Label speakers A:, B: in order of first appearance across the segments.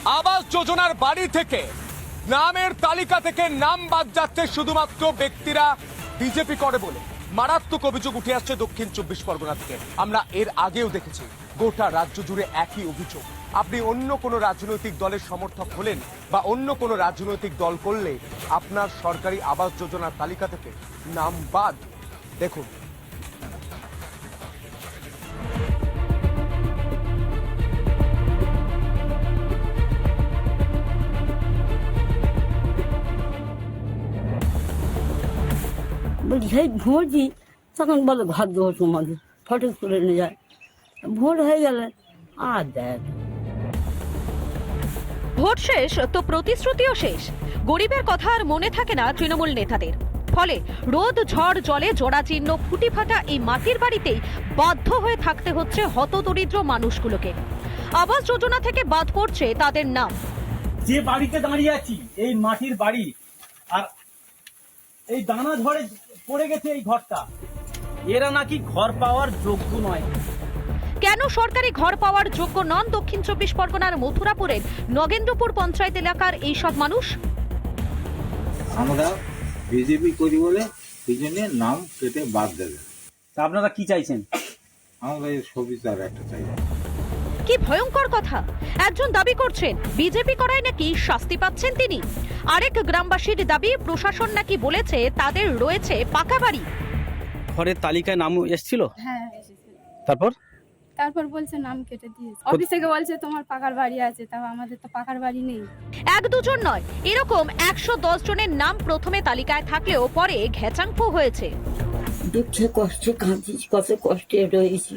A: আবাস যোজনার বাড়ি থেকে নামের তালিকা থেকে নাম বাদ যাচ্ছে শুধুমাত্র ব্যক্তিরা বিজেপি করে বলে মারাত্মক অভিযোগ উঠে আসছে দক্ষিণ 24 পরগনা থেকে। আমরা এর আগেও দেখেছি গোটা রাজ্য জুড়ে একই অভিযোগ। আপনি অন্য কোনো রাজনৈতিক দলের সমর্থক হলেন বা অন্য কোনো রাজনৈতিক দল করলে আপনার সরকারি আবাস যোজনার তালিকা থেকে নাম বাদ। দেখুন,
B: বলছি সেই ভোট দিই তখন বলে ঘর দেবো তোমাদের ফটো তুলে নিয়ে যায়। ভোট হয়ে গেলে আর দেখ
C: ভোট শেষ তো প্রতিশ্রুতিও শেষ। গরিবের কথা আর মনে থাকে না তৃণমূল নেতাদের। ফলে রোদ ঝড় জলে জোড়াচিহ্ন ফুটি ফাটা এই মাটির বাড়িতেই বাধ্য হয়ে থাকতে হচ্ছে হতদরিদ্র মানুষগুলোকে। আবাস যোজনা থেকে বাদ পড়ছে তাদের নাম।
D: যে বাড়িতে দাঁড়িয়ে আছি এই মাটির বাড়ি, আর এই দানা ঝড়ে পড়ে গেছে এই ঘরটা, এরা নাকি ঘর পাওয়ার যোগ্য নয়।
C: কেন সরকারি ঘর পাওয়ার যোগ্য নন দক্ষিণ 24 পরগনার মথুরাপুরের নগেন্দ্রপুর পঞ্চায়েত এলাকার এইসব মানুষ?
E: আমরা বিজেপি করি বলে এই জন্য নাম কেটে বাদ দেবে।
D: তা আপনারা কি চাইছেন?
E: আমরা এই সুবিচার একটা চাই।
C: কি ভয়ঙ্কর কথা! একজন দাবি করছেন বিজেপি করায় নাকি শাস্তি পাচ্ছেন তিনি। আরেক গ্রামবাসীর দাবি প্রশাসন নাকি বলেছে তাদের রয়েছে পাকা বাড়ি।
D: ঘরের তালিকায় নাম এসেছিল?
F: হ্যাঁ এসেছে।
D: তারপর
F: বলছে নাম কেটে দিয়েছে। অফিস থেকে বলছে তোমার পাকার বাড়ি আছে, তাও আমাদের তো পাকার বাড়ি নেই।
C: এক দুজন নয়, এরকম 110 জনের নাম প্রথমে তালিকায় থাকলেও পরে ঘেচাংফু হয়েছে।
B: দুঃখে কষ্টে কাঁদছি, কত কষ্টে রয়েছি।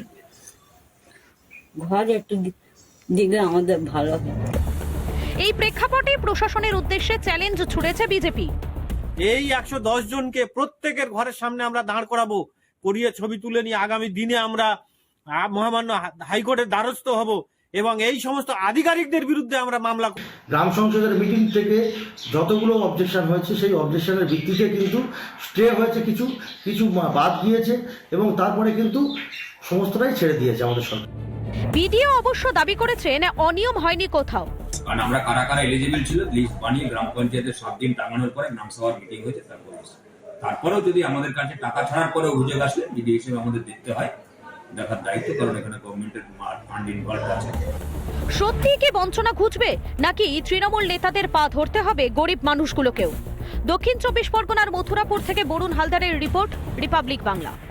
B: ঘর একটু দিলে আমাদের ভালো হয়।
C: এই প্রেক্ষাপটে প্রশাসনের উদ্দেশ্যে চ্যালেঞ্জ ছুড়েছে বিজেপি।
G: এই 110 জনকে প্রত্যেকের ঘরের সামনে আমরা দাঁড় করাবো, করিয়ে ছবি তুলে নিয়ে আগামী দিনে আমরা মহামান্য হাইকোর্টের দ্বারস্থ হব এবং এই সমস্ত আধিকারিকদের বিরুদ্ধে আমরা মামলা।
H: গ্রাম সংসদের মিটিং থেকে যতগুলো অবজেকশন হয়েছে সেই অবজেকশনের ভিত্তিতে কিন্তু স্টে হয়েছে, কিছু কিছু বাদ গিয়েছে এবং তারপরে কিন্তু সমস্তটাই ছেড়ে দিয়েছে আমাদের সরকার।
C: বিডিও অবশ্য দাবি করেছেন অনিয়ম হয়নি কোথাও।
I: কারণ আমরা কারা কারা এলিজিবল ছিল লিস্ট বানিয়ে গ্রাম পঞ্চায়েতের 7 দিন টাঙানোর পরে গ্রামসভার মিটিং হয়েছে, তারপরেও যদি আমাদের কাছে টাকা ছাড়ার পরে অভিযোগ আসলে বিডিও হিসেবে আমাদের দেখতে হয়, দেখার দায়িত্ব, কারণ এখানে গভর্নমেন্টের ফান্ড ইনভলভ আছে।
C: সত্যি কি বঞ্চনা ঘুচবে নাকি তৃণমূল নেতাদের পা ধরতে হবে গরিব মানুষগুলোকেও? দক্ষিণ 24 পরগনার মথুরাপুর থেকে বরুণ হালদারের রিপোর্ট, রিপাবলিক বাংলা।